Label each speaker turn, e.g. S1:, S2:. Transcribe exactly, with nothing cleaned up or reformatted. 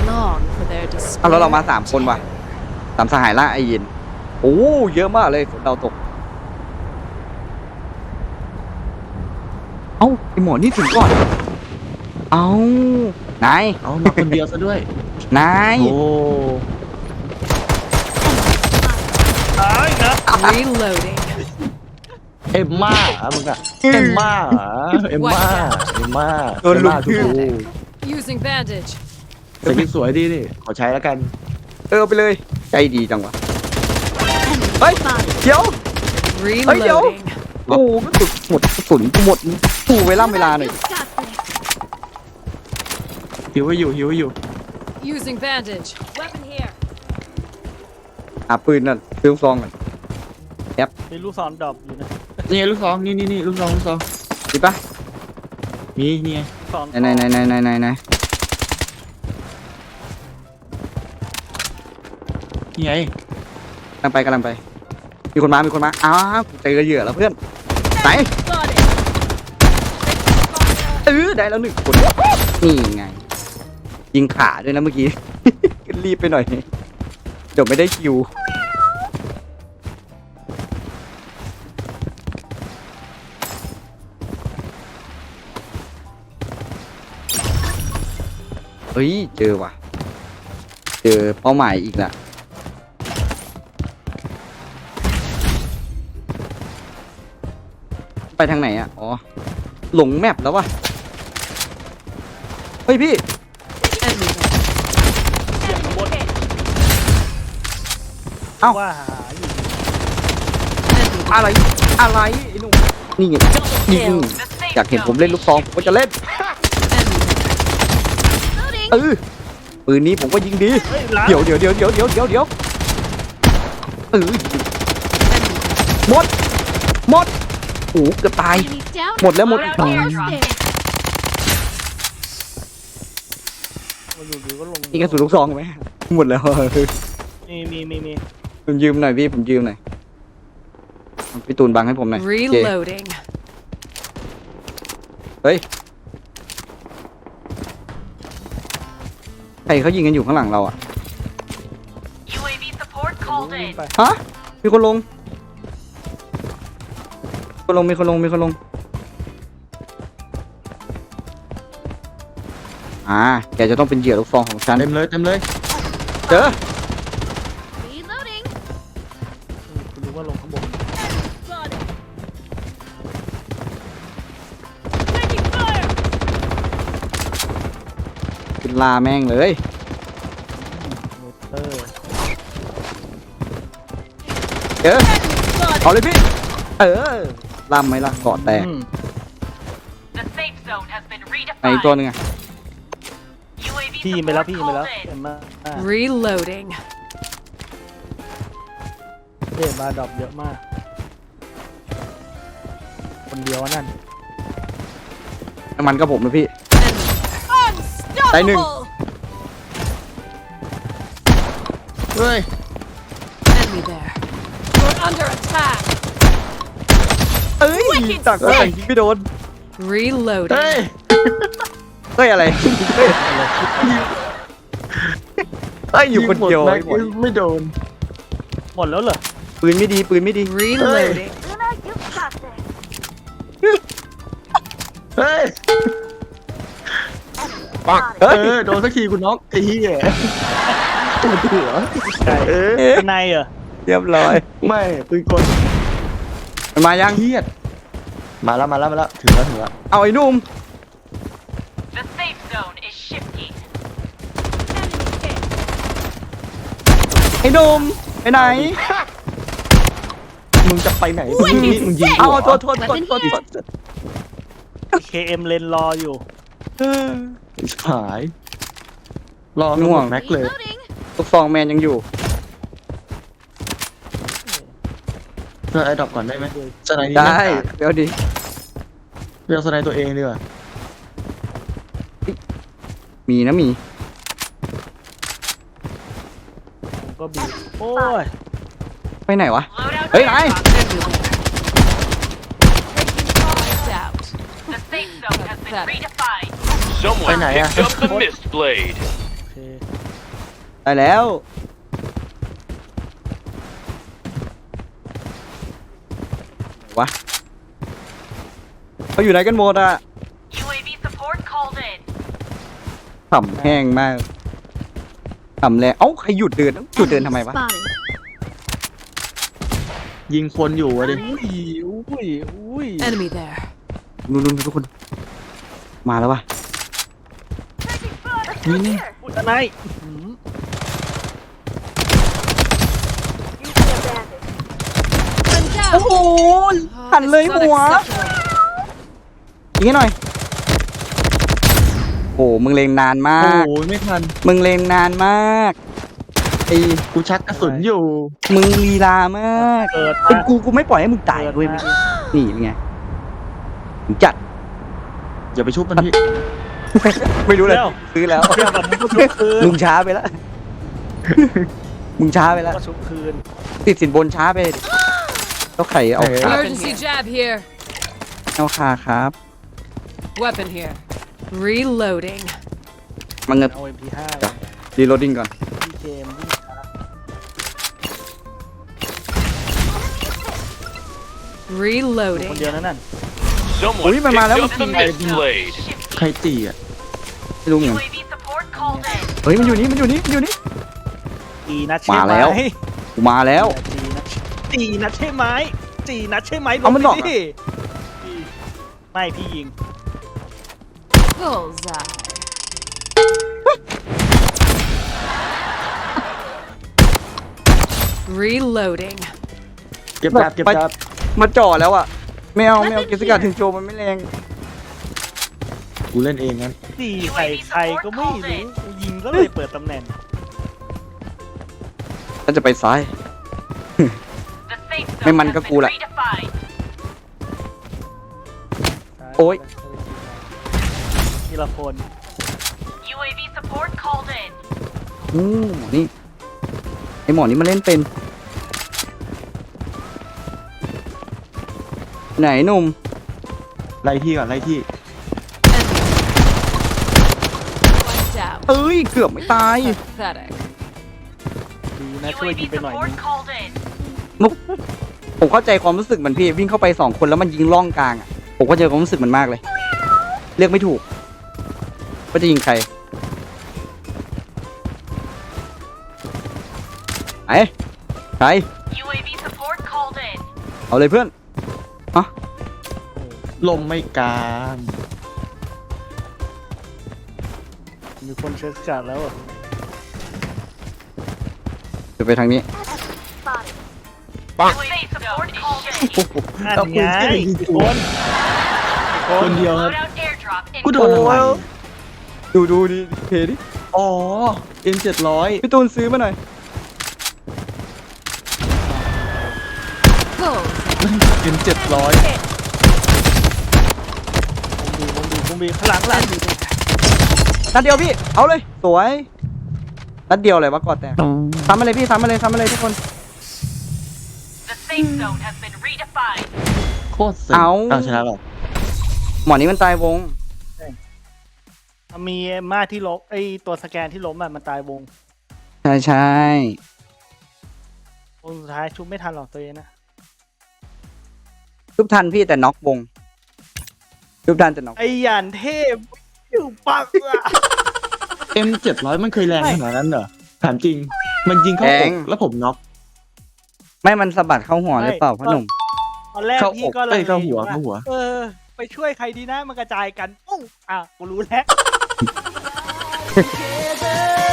S1: long for their
S2: เอาแล้วเรามา
S1: despair.
S2: สามคนว่ะสามสหายล่าไอเย็นโอ้เยอะมากเลยเราตกเอ้าไอหมอนี่ถึงก่อนเอ้านาย
S3: เอามาคนเดียวซะด้วย
S2: นาย
S3: โอ้
S4: ตายนะ
S1: Reloading.
S3: เอ็มม่าเหรอมึงอะเอ็มม่าเหรอเอ็มม่าเอ็มม่า
S2: โดนลุก
S3: เอ็มม่าถูก
S1: Using bandage.
S3: ๆแต่สวยดีนี่ขอใช้แล้วกัน
S2: เออไปเลยใจดีจังวะเฮ้ยเดี๋ยว
S1: Reloading.
S2: โอ้กระสุนหมดกระสุนหมดกูเวลาเวลาหน่อย
S3: หิวไว้อยู่หิวไว้อยู่
S1: Using bandage. Weapon here.
S2: หาปืนนั่นปืนซองกัน
S4: มีลูกศรดรอปอยู่นะ
S3: นี่ไงลูกซองนี่นี่นี่ลูกซองลูกซอง
S2: ดีปะ
S3: มีนี่ไง
S4: ศร
S2: ไหนไหนไหนไหนไหนไหน
S3: นี่ไง
S2: กำลังไปกำลังไป มีคนมา มีคนมา อ้าวเจอเหยื่อแล้วเพื่อน ไหน
S1: Got it.
S2: เออได้แล้วหนึ่งคน นี่ไง ยิงขาด้วยนะเมื่อกี้ รีบไปหน่อย เดี๋ยวไม่ได้คิว เฮ้ย เจอว่ะ เจอเป้าหมายอีกละไปทางไหนอ่ะ อ๋อ หลงแมปแล้ววะเฮ้ยพี่
S1: Enemy there.
S4: เสียงข้างบน
S2: เอ้า
S4: ว่าหาอยู่
S1: Enemy
S2: อะไร อะไรไอ้หนุ่มนี่ไงนี่อยากเห็นผมเล่นลูกซองผมก็จะเล่น
S1: Enemy.
S2: เออปืนนี้ผมก็ยิงดี
S4: เฮ้ยล้าง
S2: เดี๋ยวเดี๋ยวเดี๋ยวเดี๋ยวเดี๋ยวเดี๋ยวเดี๋ยวเออหมด หมดโอ้เกือบตาย หมดแล้วหมดอีก
S4: มาอยู่ดีก็ลง
S2: นี่กระสุนลูกซองไหมหมดแล้ว
S4: มีมีมีมี
S2: ผมยืมหน่อยพี่ผมยืมหน่อยพี่ตูนบังให้ผมหน่อยโอเค
S1: Reloading.
S2: เฮ้ยใครเขายิงกันอยู่ข้างหลังเราอ่ะ
S5: ยู เอ วี support called
S4: วิ่ง
S5: in.
S4: ไป
S2: ฮะมีคนลงคนลงมีคนลงมีคนลงอ่าแกจะต้องเป็นเหยื่อลูกซองของฉัน
S3: เต็มเลยเต็มเลย
S2: เจอ
S1: Reloading.
S4: คุณรู้ว่าลงข้างบน
S1: Got it. Taking fire.
S2: เป็นลาแม่งเลย
S4: โรเตอร์
S2: เจอ
S1: Got it.
S2: เอาเลยพี่ เออลำไหมล่ะเกาะแตก
S4: อืม
S5: The safe zone has been
S2: ไหนอีกตัวห
S5: redefined.
S2: นึงอะ
S5: ยู เอ วี
S4: พี่ยิงไปแล้ว
S5: support
S4: พี่ยิงไปแล้ว
S5: called
S4: เห็
S5: in.
S4: นมา
S1: Reloading.
S4: เห็นมาดรอปเยอะมาก คนเดียวนั่น
S2: น้ำมันกับผมนะพี่
S1: Unstoppable.
S2: ได้หนึ่ง
S3: เฮ้ย
S1: Enemy there. You're under attack.
S2: เอ้ยตักก็แต่งยิงไม่โดน
S1: Reloading.
S3: เฮ้ย
S2: เฮ้ยอะไรเฮ้ยเฮ้ยอยู่คนเดียว
S3: งหม
S2: ไอ้หม
S3: แม็
S2: ด
S3: กไม่โดน
S4: หมดแล้วเหรอ
S2: ปืนไม่ดีปืนไม่ดี
S1: Reloading.
S3: เฮ้ย
S2: ปัก
S3: เอ
S2: เฮ้ย
S3: อโดนสักทีคุณน็อกไอ้เหี้ยปวดหัว
S4: ใช่
S3: เออ
S4: ข้างในเหรอ
S2: เรียบร้อย
S3: ไม่ปืนกล
S2: มันมายัง
S3: เครียดมาแล้วมาแล้วมาแล้วถึงแล้วถึงแล้ว
S2: เอาไอ้หนุ่ม
S5: The safe zone is shifting.
S2: ไอ้หนุ่มไปไหน
S3: มึงจะไปไหนมึงยิงมึงยิง
S2: เอา
S3: หัว
S2: โทษโทษโทษโทษโทษ
S4: เคเอ็มเลนรออยู่
S2: เออ
S3: หายรอ
S2: ง่วง
S3: แม็กเลย
S2: ลูกซองแมนยังอยู่
S3: เพื่อไอ้ดรอปก่อนได้ไหมสไนด์นี่
S2: ได้
S3: แม่งกาก
S2: เดี๋ยวดิ
S3: เรียกสไนด์ตัวเองดีกว่า
S2: มีนะมี
S4: ผมก็บีบโอ้ย
S2: ไปไหนวะ
S5: Loadout
S2: Hey,
S5: airdrop.
S2: hey.
S1: Lights out.
S5: The safe zone has been
S1: Pathetic.
S5: redefined.
S6: Someone
S3: Bên này à?
S6: picked up the mist blade.
S4: โอเค
S2: ได้แล้ววะเขาอยู่ไหนกันหมดอะ
S5: U A V support called in.
S2: ขำแห้งมากขำแรงเอ้าใครหยุดเดินหยุดเดินทำไมวะ
S3: ยิงคนอยู่อะดิ
S4: อุ้ยอุ้ยอุ้ย
S1: Enemy there.
S2: นู่นๆทุกคน มาแล้ววะ
S3: นี่นี่
S4: อุ้ยอะไรอื้อหือ
S1: I'm down.
S2: โอ้โห
S1: Oh,
S2: หัน
S1: this
S2: เลย
S1: is
S2: หัว
S1: unacceptable.
S2: ยิงให้หน่อย โอ้มึงเลงนานมา
S3: โอ้
S2: ก
S3: โหไม่ทัน
S2: มึงเลงนานมากไอ้
S3: กูชักกระสุนอยู่
S2: มึงลีลามาก
S4: เกิด
S2: เป็น
S4: มา
S2: กูกูไม่ปล่อยให้มึงตาย
S4: เกิด
S2: เว้ย
S4: มา
S2: นี่เป็นไงมึงจัด
S3: อย่าไปชุบมันพี่
S2: ไม่รู้เลยซื้อแล้ว
S4: เรื่องแบบมึงก็ชุบคืน
S2: มึงช้าไปแล้ว มึงช้าไปแล้ว
S4: ก็ชุบคืน
S2: ติดสินบนช้าไปดิแล้วไข่เอาขา
S1: Emergency jab here.
S2: เอาขาครับ
S1: Weapon here. Reloading.
S2: มังเงิน
S4: เอา เอ็ม พี ห้า
S2: จ้ะ รีโหลดดิ้งก่อน
S4: ที่เกมวิ่งช้า คน
S1: Reloading.
S4: เดียวนั่นน่ะ
S2: Ui, mà mà lắm.
S6: Picked up the misblade.
S5: Shifty.
S3: ใครตีอ่ะ
S2: ไม่รู้เหมือน
S5: U
S2: กัน
S5: A V support called in.
S2: เฮ้ยมันอยู่นี่มันอยู่นี่มันอยู่นี่
S4: จีนัดใช่
S2: มา
S4: ไหม
S2: แล้ว กูมาแล้ว
S4: จีนัดจีนัดใช่ไหมจีนัดใช่ไหม
S2: เอามันบอก
S4: ลงไปดิไม่พี่ยิง
S1: Bullseye. Reloading.
S3: เก็บดาบเก็บดาบ
S2: มาจ่อแล้วอ่ะไม่เอาไม่เอาเกสการถึงโจมันไม่แรง
S3: กูเล่นเองงั้น
S4: จีใส่ใครก็ไม่รู้กูยิงก็เลยเปิดตำแหน่ง
S2: ก็จะไปซ้าย
S5: The safe
S2: May
S5: zone
S2: mắn
S5: has
S2: các
S5: been
S2: cụ lại.
S5: redefined.
S2: โอ๊ย
S4: ทีละคน
S5: U A V support called in.
S2: อู้นี่ไอหมอนี่มันเล่นเป็น ไหนหนุ่ม
S3: ไล่ที่ก่อนไล่ที่
S1: Enemy. Wiped out.
S2: เอ้ยเกือบไม่ตาย
S1: Pathetic.
S4: ดีนะช่วย
S5: U A
S4: ยิ
S5: V
S4: งไปหน่อย
S5: support
S4: นึง
S5: called in.
S2: ผมเข้าใจความรู้สึกเหมือนพี่วิ่งเข้าไปสองคนแล้วมันยิงล่องกลางอ่ะผมก็เจอความรู้สึกมันมากเลย เลือกไม่ถูกว่าจะยิงใครไอ้ใคร
S5: U A V support called in.
S2: เอาเลยเพื่อน
S3: ลมไม่กลาง
S4: มีคนเช็คจัดแล้วอะ
S2: จะไปทางนี้
S5: The safe support called in.
S4: นั่น
S3: เอา
S4: ไง
S3: ปืนที่ไหนยิง
S4: อีก
S3: กู
S4: คนอีก
S3: คนเดียวครับ
S5: Loadout airdrop
S3: กูโดน
S5: incoming.
S3: อะไร
S2: ดูดูดิเพดิ
S3: อ๋อ เอ็มเจ็ดร้อย
S2: พี่ตูนซื้อมาหน่อย
S1: Bullseye.
S3: เอ็มเจ็ดร้อย
S4: วงบีวงบีวงบีข้างหลังข้างหลัง
S1: Enemy there.
S2: นัดเดียวพี่ เอาเลย สวย นัดเดียวเลยวะกอดแตกซ้ำมาเลยพี่ซ้ำมาเลยซ้ำมาเลยทุกคน
S5: The safe zone has been redefined.
S3: โคตรเซ็ง
S2: เอา
S3: เอาชนะหรอ
S2: หมอนี้มันตายวง
S4: มีมาที่ล้มไอตัวสแกนที่ล้มอะมันตายวง
S2: ใช่ใช่
S4: วงสุดท้ายชุบไม่ทันหรอกตัวเองนะ
S2: ทุบทันพี่แต่น็อกวงทุบทันแต่น็อก
S4: ไอหยานเทพอยู่ปักอะ
S3: เอ็มเจ็ดร้อยมันเคยแรงขนาดนั้นเหรอ ถามจริง มันยิงเข้าอกแล้วผมน็อก
S2: ไม่มันสะบัดเข้าหัวหรือเปล่าพ่อหนุ่ม
S4: ตอนแรก
S3: เข้า
S4: พี่
S3: อก
S4: ก็เล
S3: เอ้
S4: ย
S3: ยเข้าหัว
S4: อยู่
S3: เข้าหัว
S4: เออ ไปช่วยใครดีนะมันกระจายกันปุ้งอ่ะกูรู้แล้ว